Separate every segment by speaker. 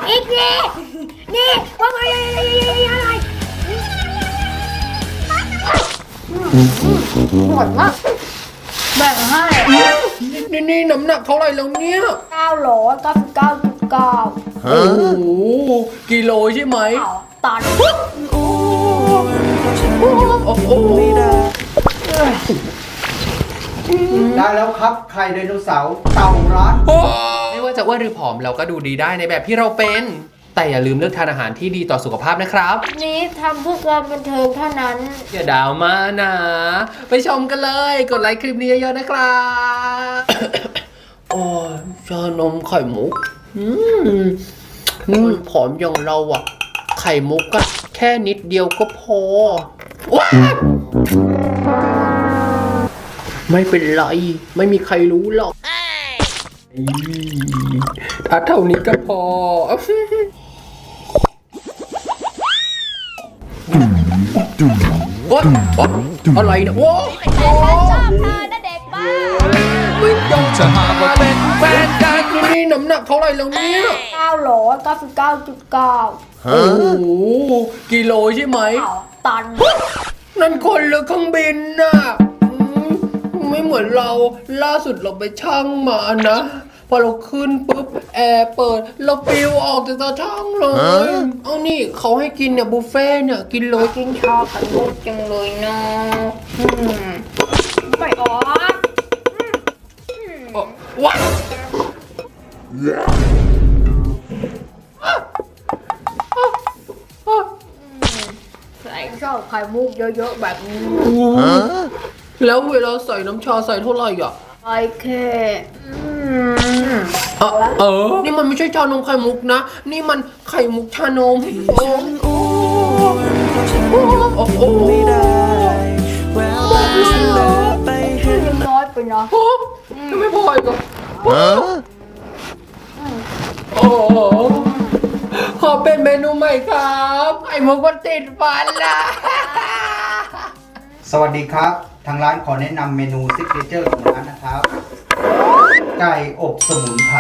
Speaker 1: อีกนี่นี่ว่าไงอะไรหมดมากแบ่งให้
Speaker 2: นี่น้ำหนักเท่าไหร่แล้วเนี่ย
Speaker 1: 999.9
Speaker 2: โอ้โหกิโลใช่ไหม
Speaker 1: ตัน
Speaker 2: โอ้โห
Speaker 3: ได้แล้วครับไข่ไดโนเสาร์เต่าร้าน
Speaker 2: ไม่ว่าจะอ้วนหรือผอมเราก็ดูดีได้ในแบบที่เราเป็น แต่อย่าลืมเลือกทานอาหารที่ดีต่อสุขภาพนะครับ
Speaker 1: นี้ทำเพื่อการบันเทิงเท่านั้น
Speaker 2: อย่าดาวมานะไปชมกันเลยกดไลค์คลิปนี้เยอะๆนะครับโอ้ยชานมไข่มุกผอมอย่างเราอะไข่มุกอะแค่นิดเดียวก็พอว้าไม่เป็นไรไม่มีใครรู้หรอกถ้าเท่านี้ก็พออะไรนะโอ้
Speaker 1: แต่ฉันชอบเธอนะเด็กบ้า
Speaker 2: ไม่ยอมจะหาว่าเป็นแฟนกันนี่น้ำหนักเท่าไหร่แล้วเนี่ย
Speaker 1: 999.9
Speaker 2: โอ้โหกิโลใช่ไหม
Speaker 1: ตัน
Speaker 2: นั่นคนหรือเครื่องบินน่ะไม่เหมือนเราล่าสุดเราไปชั่งมานะพอเราขึ้นปุ๊บแอร์เปิดเราปิวออกจากตาช่างเลยเอานี่เขาให้กินเนี่ยบุฟเฟ่เนี่ยกินเลย
Speaker 1: กินชาไข่มุกจังเลยนะไม่ออก
Speaker 2: ว้า
Speaker 1: ใส่ชอบไข่มุกเยอะๆแบบนี้
Speaker 2: แล้วเวลาใส่น้ำชาใส่เท่าไหร่อ่ะ
Speaker 1: ใส่แค่
Speaker 2: นี่มันไม่ใช่ชานมไข่มุกนะนี่มันไข่มุกชานม
Speaker 1: ไม่ได้น้อยไปนะ
Speaker 2: จะไม่พออีกเหรอขอเป็นเมนูใหม่ครับไข่มุกมันติดฟันละ
Speaker 3: สวัสดีครับทางร้านขอแนะนำเมนูซิกเนเจอร์ของร้านนะครับไก่อบสมุนไพร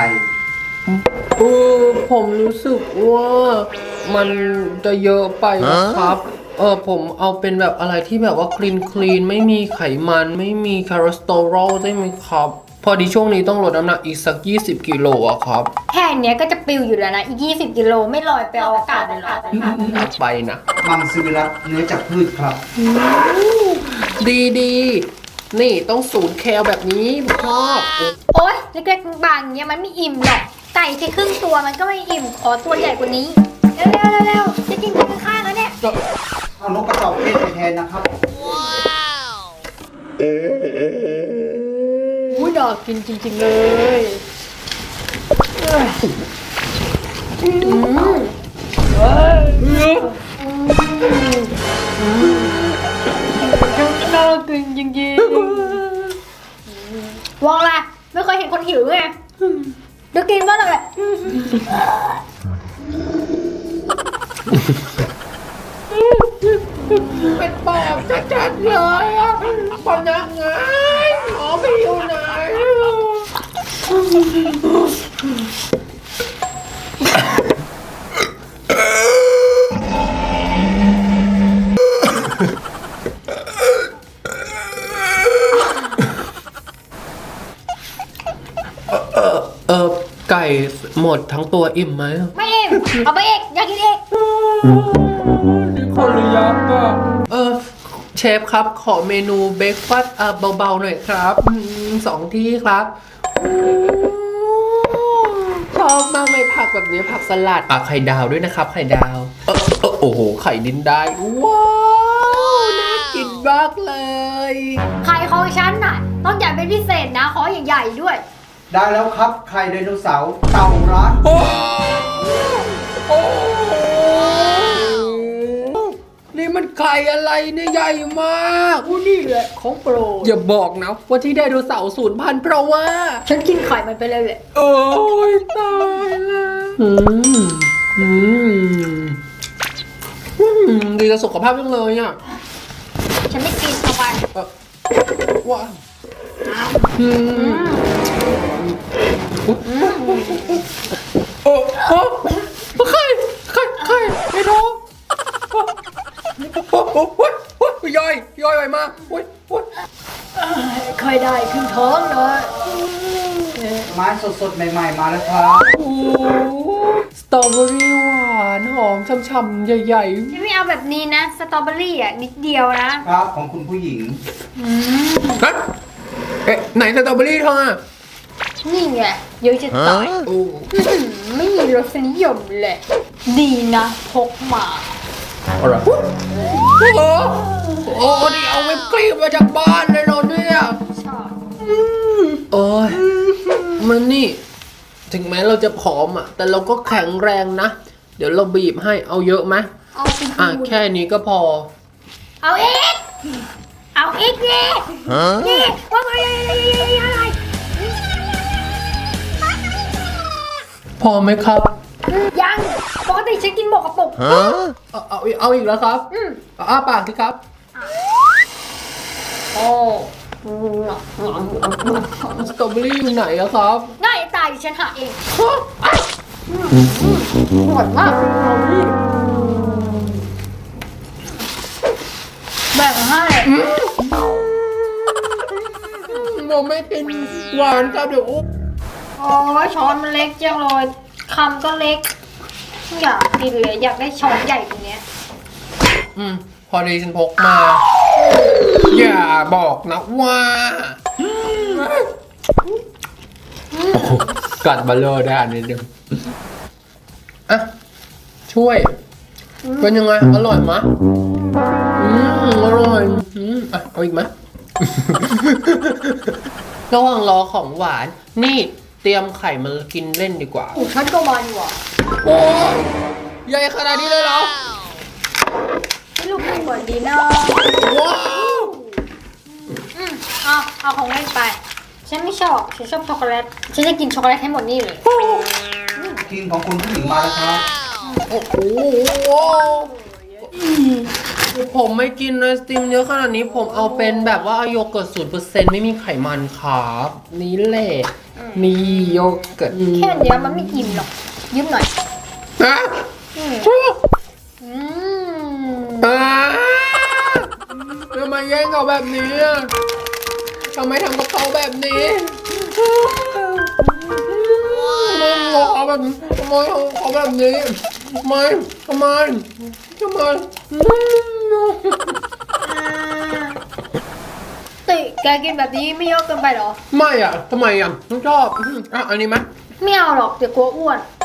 Speaker 2: ผมรู้สึกว่ามันจะเยอะไปนะครับผมเอาเป็นแบบอะไรที่แบบว่าคลีนไม่มีไขมันไม่มีคอเลสเตอรอลได้ไหมครับพอดีช่วงนี้ต้องลดน้ำหนักอีกสัก20 กิโลอะครับ
Speaker 1: แค่เนี้ยก็จะปิวอยู่แล้วนะอีก20 กิโลไม่ลอยไปอวกาศเลยหรอ
Speaker 2: ไปนะ
Speaker 3: มังสวิรัติเนื้อจากพืชครับ
Speaker 2: ดีนี่ต้อง0 แคลแบบนี้ชอบ
Speaker 1: โอ๊ยเล็กๆบางๆเนี้ยมันไม่อิ่มหรอกไก่แค่ครึ่งตัวมันก็ไม่อิ่มขอตัวใหญ่กว่านี้เร็วจะกินกันข้างๆแล้วเนี่ย
Speaker 3: เอานกกระจอกเทศไปแทนนะครับ
Speaker 1: ว้าวน่ากินจริงๆเลยน่ากินจริงๆวางละไม่เคยเห็นคนหิวไงเดี๋ยวกินบ้างเลย
Speaker 2: เป็นปอบจัดๆเลยพนักงานไปอยู่ไหนไก่หมดทั้งตัวอิ่มไหม
Speaker 1: ไม่อิ่มเอาไปอีกอยากกินอีก
Speaker 2: นี่คนหรือยักษ์อ่ะเชฟครับขอเมนูเบรคฟาสต์เบาๆหน่อยครับ2 ที่ครับชอบมากเลยผักแบบนี้ผักสลัดไข่ดาวด้วยนะครับไข่ดาวโอ้โหไข่ดินได้ว้าวน่ากินมากเลย
Speaker 1: ไข่ของฉันน่ะต้องใหญ่เป็นพิเศษนะขอใหญ่ๆด้วย
Speaker 3: ได้แล้วครับไข่ไดโนเสาร์เต่าร้าน
Speaker 2: นี่มันไข่อะไรเนี่ยใหญ่มาก
Speaker 1: นี่แหละของโปรด
Speaker 2: อย่าบอกนะว่าที่ไดโนเสาร์สูญพันธุ์เพราะว่า
Speaker 1: ฉันกินไข่มันไปเลยแหละ
Speaker 2: โอ้ยตายแล้วดีต่อสุขภาพจังเลยอ่ะ
Speaker 1: ฉันไม่กินเข้าไป
Speaker 2: ว้าโอ้ใครไม่ท้องโอ้ยย่อยไปมากโอ้ย
Speaker 1: ค่อยได้ครึ่งท้องหน่อย
Speaker 3: ไม้สดๆใหม่ๆมาแล้วครับ
Speaker 2: โอ้สตรอเบอรี่หวานหอมช่ำๆใหญ่
Speaker 1: ฉันไม่เอาแบบนี้นะสตรอเบอรี่อ่ะนิดเดียวนะครับ
Speaker 3: ของคุณผู้หญิง
Speaker 2: ๆฮะเอ๊ะไหนสตรอเบอรี่เธออ่ะ
Speaker 1: นี่ไงเยอะจะตาย
Speaker 2: โอ้
Speaker 1: ไม่มีรสนิยมเลยดีนะพกมา
Speaker 2: อะไรโอ้นี่เอาวิปครีมมาจากบ้านเลยเนาะเนี่ย
Speaker 1: ชอบ
Speaker 2: โอ้ยมันนี่ ถึงแม้เราจะผอมอ่ะ แต่เราก็แข็งแรงนะ เดี๋ยวเราบีบให้เอาเยอะไหม
Speaker 1: เอาไป
Speaker 2: อ่ะ
Speaker 1: ดู
Speaker 2: แค่นี้ก็พอ
Speaker 1: เอาอีกเอาอีกนี่นี่ว่าไงอะไร
Speaker 2: พอไหมครับ
Speaker 1: ยังปกติฉันกินหมกกระปุก
Speaker 2: เอาอีกแล้วครับเอาอ้าปากสิครับ
Speaker 1: โอ้
Speaker 2: สตรอเบอรี่อยู่ไหนอะครับ
Speaker 1: ง่ายตายดิฉันหาเองหวานมากแบ่งให้
Speaker 2: ผมไม่กินหวานครับเดี๋ยวอุ๊บ
Speaker 1: โอ้ยช้อนมันเล็กจังเลยคำก็เล็กไม่อยากกินเลยอยากได้ช้อนใหญ่กว่านี้
Speaker 2: พอดีฉันพกมา อย่าบอกนะว่ากัดบัลเลอร์ได้อันนี้เดียวอ่ะช่วย เป็นยังไง อร่อยมะอร่อยอ่ะเอาอีกไหม ระหว่างรอของหวาน นี่เตรียมไข่มากินเล่นดีกว่า
Speaker 1: ฉันก็มันว่ะ
Speaker 2: โอ้ยใหญ่ขนาดนี้เลยเหรอ
Speaker 1: ให้ลูกไหนก่อนดีนะ
Speaker 2: ว้าว
Speaker 1: เอาของเล่นไป ฉันไม่ชอบ ฉันชอบช็อกโกแลต ฉันจะกินช็อกโกแลตให้หมดนี่เลย
Speaker 3: ทีมของคุณผู้หญิงมาแล้วครับ
Speaker 2: โอ้โหผมไม่กินไอศกรีมเยอะขนาดนี้ผมเอาเป็นแบบว่าโยเกิร์ต0%ไม่มีไขมันครับนี่แหละนี่โยเกิร์ต
Speaker 1: แค่เนี้ยมันไม่อิ่มหรอก ยืมหน่อย
Speaker 2: ฮะ
Speaker 1: อืม
Speaker 2: ทำไมแย่งเขาแบบนี้อะทำไมทำกับเขาแบบนี้ทำไมเขาแบบนี้ทำไมเขาแบบนี้ทำไม
Speaker 1: ติแกกินแบบนี้ไม่เยอะเกินไปเหรอ
Speaker 2: ไม่อ่ะทำไมอ่ะต้องชอบอ่ะอันนี้ไหม
Speaker 1: ไม่เอาหรอกเดี๋ยวกลัวอ้วน